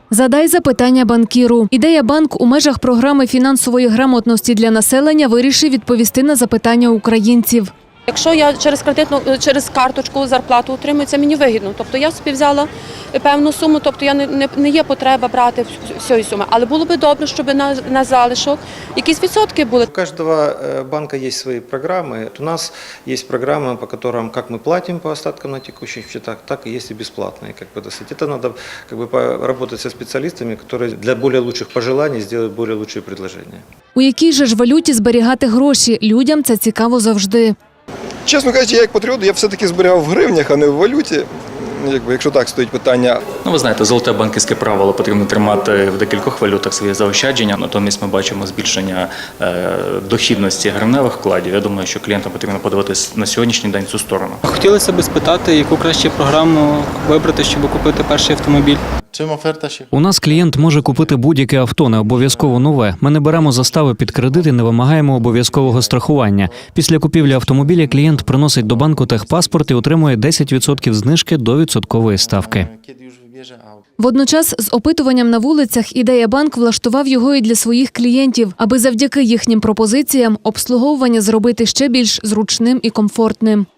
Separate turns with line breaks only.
Задай запитання банкіру. Ідея банк у межах програми фінансової грамотності для населення вирішив відповісти на запитання українців.
Якщо я через карточку зарплату отримую, це мені вигідно. Тобто я собі взяла певну суму, тобто я не є потреба брати всієї суми. Але було б добре, щоб на залишок якісь відсотки були.
У каждого банка есть свои программы. У нас есть программы, по которым как мы платим по остаткам на текущих счетах, так и есть и бесплатные. Это надо поработать со специалистами, которые для более лучших пожеланий сделают более лучшие предложения.
У якій же ж валюті зберігати гроші? Людям це цікаво завжди.
Чесно кажучи, я як патріот, я все-таки зберігав в гривнях, а не в валюті, якщо так стоїть питання.
Ви знаєте, золоте банківське правило потрібно тримати в декількох валютах свої заощадження, натомість ми бачимо збільшення дохідності гривневих вкладів. Я думаю, що клієнтам потрібно подивитися на сьогоднішній день цю сторону.
Хотілося б спитати, яку краще програму вибрати, щоб купити перший автомобіль.
У нас клієнт може купити будь-яке авто, не обов'язково нове. Ми не беремо застави під кредит і не вимагаємо обов'язкового страхування. Після купівлі автомобіля клієнт приносить до банку техпаспорт і отримує 10% знижки до відсоткової ставки.
Водночас з опитуванням на вулицях «Ідея банк» влаштував його і для своїх клієнтів, аби завдяки їхнім пропозиціям обслуговування зробити ще більш зручним і комфортним.